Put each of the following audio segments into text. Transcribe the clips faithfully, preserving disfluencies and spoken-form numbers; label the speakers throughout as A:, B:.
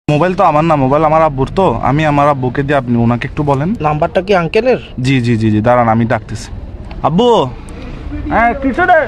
A: Mobile তো আমার না, মোবাইল আমার আব্বুর, তো আমি আমার আব্বুকে দিয়ে আপনি ওনাকে একটু বলেন।
B: নাম্বারটা কি আঙ্কেলের?
A: জি জি জি জি দাঁড়ান আমি ডাকতেছি। আব্বু, হ্যাঁ কিছু রে,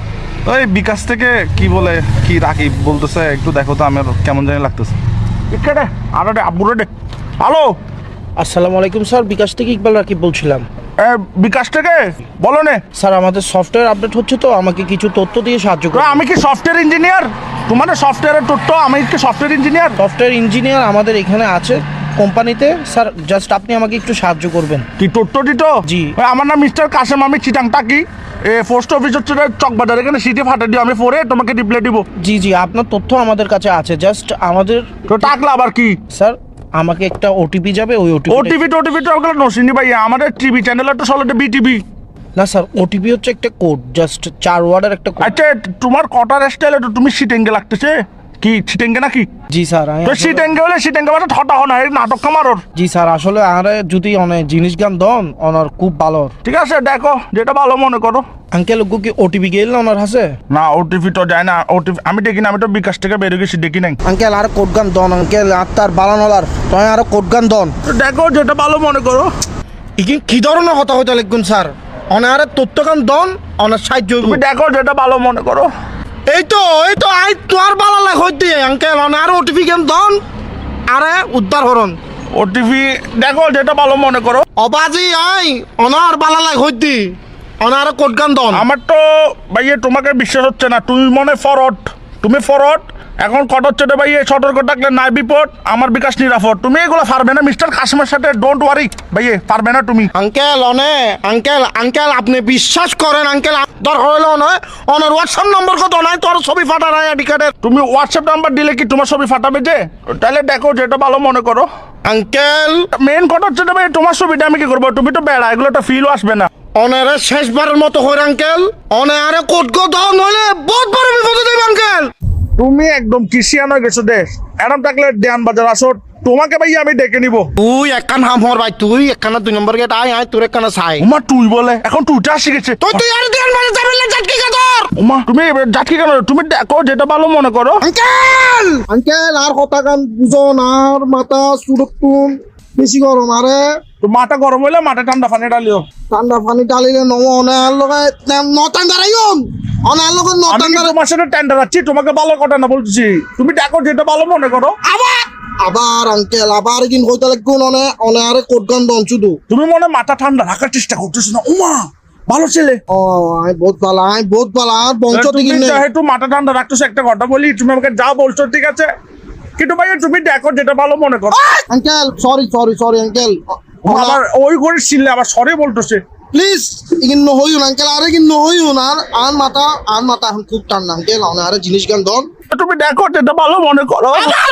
A: ওই বিকাশ থেকে কি বলে কি রাকিব বলতেছে, একটু দেখো তো, আমার কেমন জানি লাগতেছে। ইচ্ছে রে আর আব্বুরে ডে। হ্যালো,
B: আসসালামু আলাইকুম স্যার, বিকাশ থেকে ইকবাল রাকিব বলছিলাম।
A: বিকাশ থেকে বলো নে।
B: স্যার আমাদের সফটওয়্যার আপডেট হচ্ছে, তো আমাকে কিছু তথ্য দিয়ে সাহায্য করুন।
A: আমি কি সফটওয়্যার ইঞ্জিনিয়ার? তোমাদের সফটওয়্যারের তথ্য, আমি কি সফটওয়্যার ইঞ্জিনিয়ার?
B: সফটওয়্যার ইঞ্জিনিয়ার আমাদের এখানে আছে কোম্পানিতে। স্যার জাস্ট আপনি আমাকে একটু সাহায্য করবেন।
A: কি তথ্য দিত?
B: জি।
A: আমার নাম মিস্টার কাসেম, আমি চিটাংটা কি পোস্ট অফিস হচ্ছে চকবাজার, এখানে সিটি ফাটা দিও, আমি পরে তোমাকে রিপ্লাই দিব।
B: জি জি আপনার তথ্য আমাদের কাছে আছে, জাস্ট আমাদের
A: তো টাকলা আবার কি?
B: স্যার আমাকে একটা ওটিপি যাবে, ওই ওটিপি।
A: ওটিভি টোটিভি তো ওগুলো নসিনি ভাই, আমাদের টিভি চ্যানেল তো চলে বিটিভি।
B: না স্যার, ওটিপি হচ্ছে একটা কোড, জাস্ট চার ওয়ার্ডের একটা কোড।
A: আচ্ছা তোমার কটার স্টাইল তো তুমি সিটেঙ্গে লাগতেছে কি? সিটেঙ্গে নাকি?
B: জি স্যার। আমি
A: তো
B: আসলে-
A: সিটেঙ্গে হলে সিটেঙ্গে মানে ঠটা হো না, এই নাটক কামারোর।
B: জি স্যার, আসলে আরে যদি অনেক জিনিস গান দন ওনার খুব ভালো।
A: ঠিক আছে দেখো যেটা ভালো মনে করো।
B: আঙ্কেল ওগু কি ওটিপি গেল না ওনার হাসে?
A: না ওটিভি তো যায় না, ওটিভি আমি দেখি না, আমি তো বিকাশ থেকে বেরিয়ে গেছি, দেখি নাই।
B: আঙ্কেল আর কোড গান দন আঙ্কেল, আত্মার বালানলার তয় আর কোড গান দন।
A: তো দেখো যেটা ভালো মনে করো।
B: ইকি কি ধরনের কথা হইতে লিখুন স্যার, অনার তথ্য গান দন অনার সাহায্য হইব।
A: তুমি দেখো যেটা ভালো মনে করো।
B: এই তো এই তো আই তোর বালা লাগ হইতে আঙ্কেল অনার ওটিপি গান দন আরে উদ্ধার হরন।
A: ওটিভি দেখো যেটা ভালো মনে করো।
B: অবাজি আই অনার বালা লাগ হইতে অনার কোড গান দন।
A: আমার তো ভাইয়ে তোমাকে বিশ্বাস হচ্ছে না, তুমি মনে ফরওয়ার্ড, তুমি ফরওয়ার্ড। এখন কট হচ্ছে রে ভাইয়ে, সতর্ক থাকলে নাই বিপদ, আমার বিকাশ নিরাপদ। তুমি এগুলো পারবে না মিস্টার কাসিমের সাথে, ডোন্ট ওয়ারি ভাইয়ে, পারবে না তুমি।
B: আঙ্কেল অনে আঙ্কেল আঙ্কেল আপনি বিশ্বাস করেন আঙ্কেল, দরকার হইলো নয় অনার হোয়াটসঅ্যাপ নম্বর কত নাই তোর ছবি ফাটা নাই আইডি কার্ডের।
A: তুমি হোয়াটসঅ্যাপ নাম্বার দিলে কি তোমার ছবি ফাটাবে যে? তাহলে দেখো যেটা ভালো মনে করো।
B: আঙ্কেল
A: মেন কথা হচ্ছে রে ভাই, তোমার ছবিটা আমি কি করবো? তুমি তো বেড়া, এগুলো তো ফিলও আসবে না।
B: অনারে শেষবারের মতো হইর আঙ্কেল, অনে আরে কোট গো দাও নইলে বহুত বড় বিপদে দেব আঙ্কেল।
A: তুমি একদম কিসিয়ান হয়ে গেছো দেশ, এরম থাকলে দেয়ান বাজার আসো, তোমাকে ভাই আমি ডেকে নিব।
B: তুই একখান হাম হর ভাই, তুই একখানা দুই নম্বর গেট আয় আয় তোর একখানা চাই।
A: উমা তুই বলে, এখন তুইটা আসি গেছে।
B: তুই তুই আর দেন মানে যাবেন না জাটকি কা তোর।
A: উমা তুমি যাচ্ছি কেন? তুমি দেখো যেটা ভালো মনে করো।
B: আঙ্কেল আঙ্কেল আর কথা গান বুঝন, আর মাথা সুরতুন বেশি গরম, আরে
A: তো মাথা গরম হইলে মাথা ঠান্ডা পানি ডালিও।
B: ঠান্ডা পানি ডালিলে নম অনার লগে নটান দাঁড়াইন অনার লগে
A: আমি
B: নটান
A: কি
B: দাঁড়াই
A: তোমার সাথে টেন্ডার আছি, তোমাকে ভালো কথা না বলছি। তুমি দেখো যেটা ভালো মনে করো।
B: আবার আবার আঙ্কেল আবার কিন কইতে লাগুন অনে অনে আরে কোট গান দন শুধু।
A: তুমি মনে হয় মাথা ঠান্ডা রাখার চেষ্টা করতেছো না। উমা ভালো ছেলে,
B: ও আই বহুত ভালো, আই বহুত ভালো, আর বংশ
A: তুমি
B: থেকে নেই।
A: যেহেতু মাথা ঠান্ডা রাখতেছো, একটা কথা বলি, তুমি আমাকে যা বলছো ঠিক আছে, কিন্তু ভাই তুমি দেখো যেটা ভালো মনে করো।
B: Uncle sorry sorry sorry uncle,
A: আবার ওই করে ছিললে আবার সরি বলতেছে।
B: প্লিজ ইগিন নহইউন আঙ্কেল, আরে ইগিন নহইউন, আর আর মাথা আর মাথা এখন খুব ঠান্ডা আঙ্কেল, অনে আরে জিনিস গান দন।
A: তুমি দেখো যেটা ভালো মনে করো।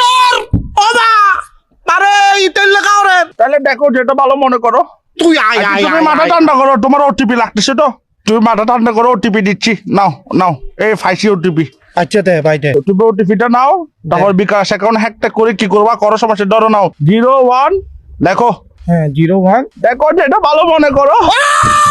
B: ওবা আরে ইতেল লাগাও রে,
A: তাহলে দেখো যেটা ভালো মনে করো।
B: তুই আয় আয়
A: তুমি
B: আয়,
A: মাথা
B: আয়।
A: ঠান্ডা করো, তোমার ওটিপি লাগতেছে তো, তুমি মাথা ঠান্ডা করো, ওটিপি দিচ্ছি, নাও নাও এই ফাইসি ওটিপি।
B: আচ্ছা দে ভাই দে।
A: তুমি ওটিপিটা নাও, তারপর বিকাশ অ্যাকাউন্ট হ্যাকটা করে কি করবা করো, সমস্যা ধরো নাও জিরো ওয়ান, দেখো
B: হ্যাঁ জিরো ওয়ান,
A: দেখো যেটা ভালো মনে করো।